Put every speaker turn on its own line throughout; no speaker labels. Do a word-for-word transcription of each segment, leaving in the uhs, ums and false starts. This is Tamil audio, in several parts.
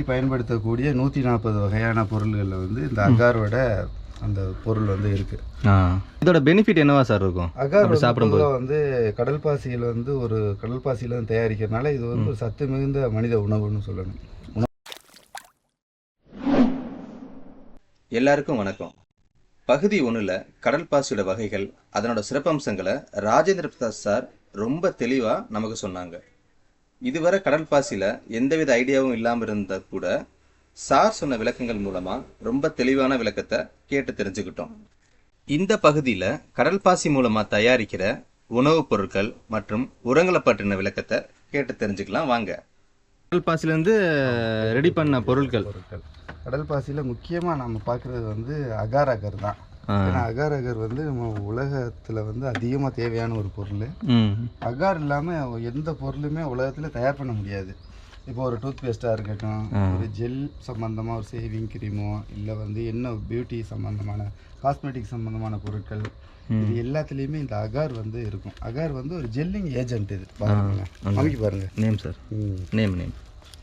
டெய்லி பயன்படுத்தக்கூடிய நூற்றி நாற்பது வகையான பொருள்களில் வந்து இந்த அகாரோட அந்த பொருள் வந்து இருக்குது.
இதோட பெனிஃபிட் என்னவா சார் இருக்கும்?
அகார் சாப்பிடும்போது வந்து கடல் பாசியில் வந்து ஒரு கடல் பாசியில் வந்து தயாரிக்கிறதுனால இது வந்து ஒரு சத்து மிகுந்த மனித உணவுன்னு சொல்லணும்.
எல்லாருக்கும் வணக்கம். பகுதி ஒன்றில் கடல் பாசியோட வகைகள், அதனோட சிறப்பம்சங்களை ராஜேந்திர பிரசாத் சார் ரொம்ப தெளிவாக நமக்கு சொன்னாங்க. இதுவரை கடல் பாசியில் எந்தவித ஐடியாவும் இல்லாமல் இருந்தால் கூட சார் சொன்ன விளக்கங்கள் மூலமாக ரொம்ப தெளிவான விளக்கத்தை கேட்டு தெரிஞ்சுக்கிட்டோம். இந்த பகுதியில் கடல் பாசி மூலமாக தயாரிக்கிற உணவுப் பொருட்கள் மற்றும் உரங்களை பற்றின விளக்கத்தை கேட்டு தெரிஞ்சுக்கலாம் வாங்க. கடல் பாசிலேருந்து ரெடி பண்ண பொருட்கள்
பொருட்கள் கடல் பாசியில் முக்கியமாக நம்ம பார்க்குறது வந்து அகார் அகர் தான். ஏன்னா அகார் அகர் வந்து நம்ம உலகத்தில் வந்து அதிகமாக தேவையான ஒரு பொருள். அகார் இல்லாமல் எந்த பொருளுமே உலகத்தில் தயார் பண்ண முடியாது. இப்போ ஒரு டூத் பேஸ்ட்டாக இருக்கட்டும், ஒரு ஜெல் சம்மந்தமாக ஒரு சேவிங் க்ரீமோ, இல்லை வந்து என்ன பியூட்டி சம்மந்தமான காஸ்மெட்டிக் சம்மந்தமான பொருட்கள், இது எல்லாத்துலேயுமே இந்த அகார் வந்து இருக்கும். அகார் வந்து ஒரு ஜெல்லிங் ஏஜென்ட். இது பாருங்க, அமைக்க பாருங்க.
நேம் சார், நேம் நேம்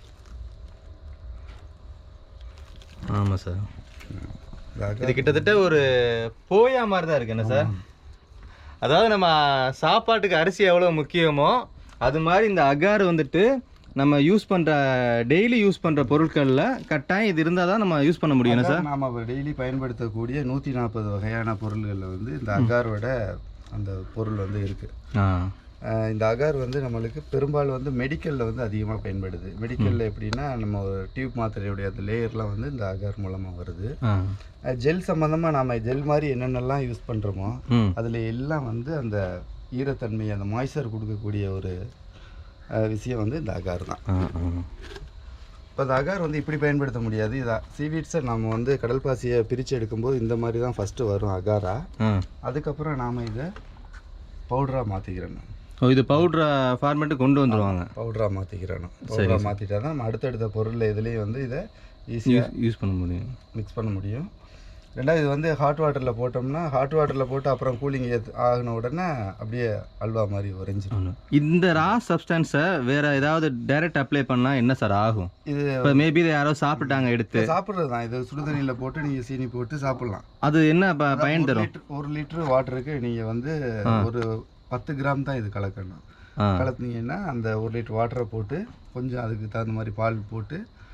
ஆமாம் சார். இது கிட்டத்தட்ட ஒரு போயா மாதிரி தான் இருக்கு என்ன சார்? அதாவது நம்ம சாப்பாட்டுக்கு அரிசி எவ்வளோ முக்கியமோ அது மாதிரி இந்த அகார் வந்துட்டு நம்ம யூஸ் பண்ணுற டெய்லி யூஸ் பண்ணுற பொருட்களில் கட்டாயம் இது இருந்தால் தான் நம்ம யூஸ் பண்ண முடியும் சார்.
நாம் டெய்லி பயன்படுத்தக்கூடிய நூற்றி நாற்பது வகையான பொருள்களில் வந்து இந்த அகாரோட அந்த பொருள் வந்து இருக்குது. இந்த அகார் வந்து நம்மளுக்கு பெரும்பாலும் வந்து மெடிக்கலில் வந்து அதிகமாக பயன்படுது. மெடிக்கலில் எப்படின்னா நம்ம ஒரு டியூப் மாத்திரையுடைய அந்த லேயர்லாம் வந்து இந்த அகார் மூலமாக வருது. ஜெல் சம்மந்தமாக நாம் ஜெல் மாதிரி என்னென்னலாம் யூஸ் பண்ணுறோமோ அதில் எல்லாம் வந்து அந்த ஈரத்தன்மை, அந்த மாய்ச்சர் கொடுக்கக்கூடிய ஒரு விஷயம் வந்து இந்த அகார் தான். இப்போ இந்த அகார் வந்து இப்படி பயன்படுத்த முடியாது. இதை சீவீட்ஸை நம்ம வந்து கடல் பாசியை பிரித்து எடுக்கும்போது இந்த மாதிரி தான் ஃபஸ்ட்டு வரும் அகாரா. அதுக்கப்புறம் நாம் இதை பவுடராக மாற்றிக்கிறோம்.
ஓ, இது பவுட்ரா ஃபார்மேட்டு கொண்டு வந்துடுவாங்க.
பவுடராக மாற்றிக்கிறோம். பவுடராக மாற்றிட்டா தான் நம்ம அடுத்தடுத்த பொருள் இதுலேயும் வந்து இதை ஈஸியாக
யூஸ் பண்ண முடியும்,
மிக்ஸ் பண்ண முடியும். ரெண்டாவது இது வந்து ஹாட் வாட்டரில் போட்டோம்னா, ஹாட் வாட்டரில் போட்டு அப்புறம் கூலிங் ஆகின உடனே அப்படியே அல்வா மாதிரி உறைஞ்சிடும்.
இந்த ரா சப்ஸ்டன்ஸை வேறு ஏதாவது டைரக்ட் அப்ளை பண்ணால் என்ன சார் ஆகும்? இது இப்போ மேபி இதை யாரோ சாப்பிட்டாங்க, எடுத்து
சாப்பிட்றது தான். இது சுடுதண்ணியில் போட்டு நீங்கள் சீனி போட்டு சாப்பிட்லாம்.
அது என்ன பயன் தரும்?
ஒரு லிட்டரு வாட்டருக்கு நீங்கள் வந்து ஒரு பத்து கிராம் தான் இது கலக்கணும். கலக்குனீங்கன்னா அந்த ஒரு லிட்டர் வாட்டரை போட்டு கொஞ்சம் அதுக்கு தகுந்த மாதிரி பால் போட்டு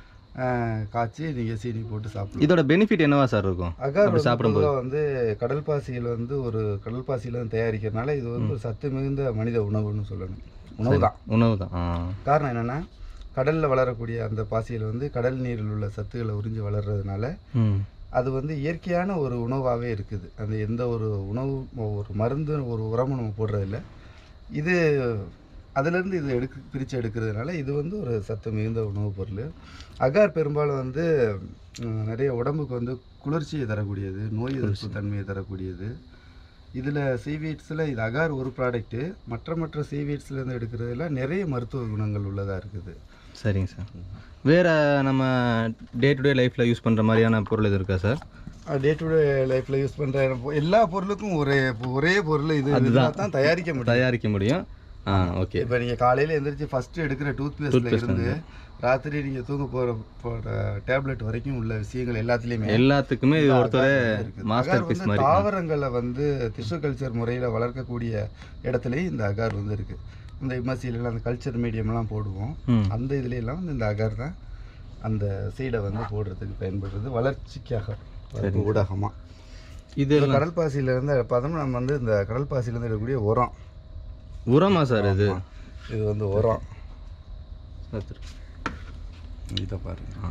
காய்ச்சி நீங்கள் சீனி போட்டு சாப்பிடலாம்.
இதோட பெனிஃபிட் என்னவா சார் இருக்கும்?
அகார் சாப்பிடும்போது வந்து கடல் பாசியில் வந்து ஒரு கடல் பாசியில் வந்து தயாரிக்கிறதுனால இது வந்து ஒரு சத்து மிகுந்த மனித உணவுன்னு சொல்லணும். உணவு தான்,
உணவு தான்.
காரணம் என்னென்னா கடலில் வளரக்கூடிய அந்த பாசியில் வந்து கடல் நீரில் உள்ள சத்துக்களை உறிஞ்சி வளர்கிறதுனால அது வந்து இயற்கையான ஒரு உணவாகவே இருக்குது. அந்த எந்த ஒரு உணவு, ஒரு மருந்து, ஒரு உரமும் நம்ம போடுறதில்ல. இது அதிலேருந்து இது எடுக்க பிரித்து எடுக்கிறதுனால இது வந்து ஒரு சத்து மிகுந்த உணவுப் பொருள். அகார் பெரும்பாலும் வந்து நிறைய உடம்புக்கு வந்து குளிர்ச்சியை தரக்கூடியது, நோய் எதிர்ப்பு தன்மையை தரக்கூடியது. இதில் சீவீட்ஸில் இது அகார் ஒரு ப்ராடக்ட்டு. மற்ற மற்ற சீவீட்ஸ்லேருந்து எடுக்கிறதுல நிறைய மருத்துவ குணங்கள் உள்ளதாக இருக்குது.
சரிங்க சார். வேறு நம்ம டே டு டே லைஃப்பில் யூஸ் பண்ணுற மாதிரியான பொருள் எது இருக்கா சார்?
டே டு டே லைஃப்பில் யூஸ் பண்ணுற எல்லா பொருளுக்கும் ஒரே ஒரே பொருள் இது அதுதான் தான் தயாரிக்க முடியும்
தயாரிக்க முடியும் ஆ, ஓகே.
இப்போ நீங்கள் காலையில் எழுந்திரிச்சு ஃபஸ்ட்டு எடுக்கிற டூத் பேஸ்ட்டில் இருந்து ராத்திரி நீங்கள் தூங்க போகிற போகிற டேப்லெட் வரைக்கும் உள்ள விஷயங்கள் எல்லாத்துலேயுமே
எல்லாத்துக்குமே இது ஒருத்தர் மாஸ்டர் பீஸ் மாதிரி.
தாவரங்களை வந்து டிஷ்யூ கல்ச்சர் முறையில் வளர்க்கக்கூடிய இடத்துலையும் இந்த அகார் வந்து இருக்குது. இந்த எம்எஸ்சியிலலாம் அந்த கல்ச்சர் மீடியம்லாம் போடுவோம். அந்த இதுலையெல்லாம் வந்து இந்த அகார் தான் அந்த சீடை வந்து போடுறதுக்கு பயன்படுறது, வளர்ச்சிக்காக ஊடகமாக. இது கடல் பாசியிலேருந்து பார்த்தோம்னா நம்ம வந்து இந்த கடல் பாசியிலேருந்து எடுக்கக்கூடிய உரம்.
உரமா சார்? இது
இது வந்து உரம். இதை பாருங்க,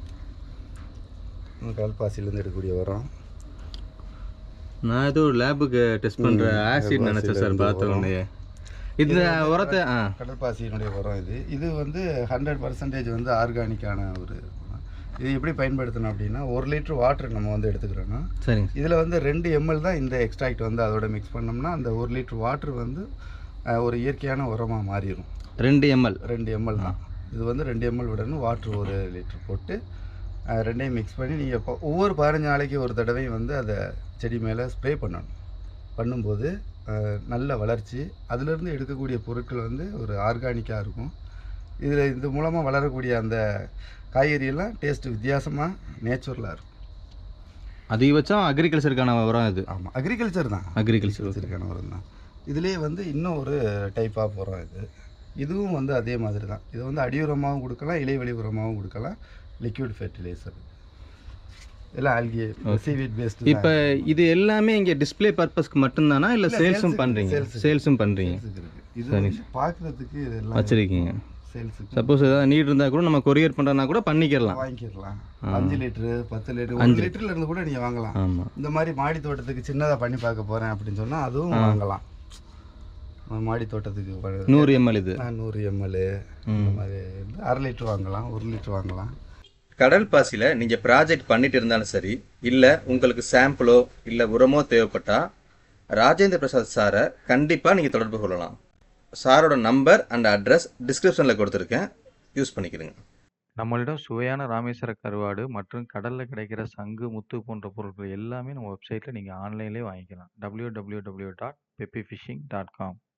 கடல் பாசியிலேருந்து எடுக்கக்கூடிய உரம்.
நான் ஏதோ லேபுக்கு டெஸ்ட் பண்ணுற ஆசிட் நினச்சேன் சார் பார்த்த உடனே. இந்த உரத்தை
கடல் பாசியினுடைய உரம் இது. இது வந்து ஹண்ட்ரட் பர்சன்டேஜ் வந்து ஆர்கானிக்கான ஒரு. இது எப்படி பயன்படுத்தணும் அப்படின்னா, ஒரு லிட்டர் வாட்டர் நம்ம வந்து எடுத்துக்கிறோன்னா,
சரிங்க,
இதில் வந்து ரெண்டு எம்எல் தான் இந்த எக்ஸ்ட்ராக்ட் வந்து அதோட மிக்ஸ் பண்ணோம்னா அந்த ஒரு லிட்டர் வாட்டர் வந்து ஒரு இயற்கையான உரமாக மாறிடும்.
ரெண்டு எம்எல்
ரெண்டு எம்எல் தான் இது வந்து ரெண்டு எம்எல் விடணும். வாட்டர் ஒரு லிட்டர் போட்டு ரெண்டையும் மிக்ஸ் பண்ணி நீங்கள் இப்போ ஒவ்வொரு பதினஞ்சு நாளைக்கு ஒரு தடவையும் வந்து அதை செடி மேலே ஸ்ப்ரே பண்ணணும். பண்ணும்போது நல்ல வளர்ச்சி, அதிலிருந்து எடுக்கக்கூடிய பொருட்கள் வந்து ஒரு ஆர்கானிக்காக இருக்கும். இதில் இது மூலமாக வளரக்கூடிய அந்த காய்கறியெல்லாம் டேஸ்ட் வித்தியாசமாக நேச்சுரலாக இருக்கும்.
அதிகபட்சம் அக்ரிகல்ச்சருக்கான உரம் இது.
ஆமாம், அக்ரிகல்ச்சர் தான்,
அக்ரிகல்ச்சர்
அக்ரிகல்ச்சருக்கான உரம் தான். இதுலேயே வந்து இன்னும் ஒரு டைப் ஆஃப் உரம் இது. இதுவும் வந்து அதே மாதிரி தான். இது வந்து அடி உரமாகவும் கொடுக்கலாம், இலைவெளி உரமாகவும் கொடுக்கலாம், லிக்விட் ஃபெர்டிலைசர். இதெல்லாம் ஆல்கே சீவீட் பேஸ்டு.
இப்போ இது எல்லாமே இங்கே டிஸ்ப்ளே பர்பஸ்க்கு மட்டும்தானா இல்லை சேல்ஸும் பண்ணுறீங்க? சேல்ஸும் பண்ணுறீங்க.
இது வந்து பார்க்குறதுக்கு இதெல்லாம்
வச்சுருக்கீங்க.
சேல்ஸுக்கு
சப்போஸ் ஏதாவது நீட் இருந்தால் கூட நம்ம கொரியர் பண்ணுறதுனா கூட பண்ணிக்கிறலாம்,
வாங்கிக்கலாம். அஞ்சு லிட்டரு பத்து லிட்டரு அஞ்சு லிட்டர்ல இருந்து கூட நீங்கள் வாங்கலாம்.
ஆமாம்.
இந்த மாதிரி மாடி தோட்டத்துக்கு சின்னதாக பண்ணி பார்க்க போகிறேன் அப்படின்னு சொன்னால் அதுவும் வாங்கலாம். மாடி தோட்டத்துக்கு
நூறு எம்எல் இது
நூறு எம்எல் இந்த மாதிரி அரை லிட்டர் வாங்கலாம், ஒரு லிட்டர் வாங்கலாம்.
கடல் பாசியில் நீங்கள் ப்ராஜெக்ட் பண்ணிட்டு இருந்தாலும் சரி, இல்லை உங்களுக்கு சாம்பிளோ இல்லை உரமோ தேவைப்பட்டா ராஜேந்திர பிரசாத் சாரை கண்டிப்பாக நீங்கள் தொடர்பு கொள்ளலாம். சாரோட நம்பர் அண்ட் அட்ரஸ் டிஸ்கிரிப்ஷனில் கொடுத்துருக்கேன், யூஸ் பண்ணிக்கிறேங்க.
நம்மளிடம் சுவையான ராமேஸ்வர கருவாடு மற்றும் கடலில் கிடைக்கிற சங்கு, முத்து போன்ற பொருட்கள் எல்லாமே நம்ம வெப்சைட்டில் நீங்கள் ஆன்லைன்லேயே வாங்கிக்கலாம். W W W dot peppy fishing dot com.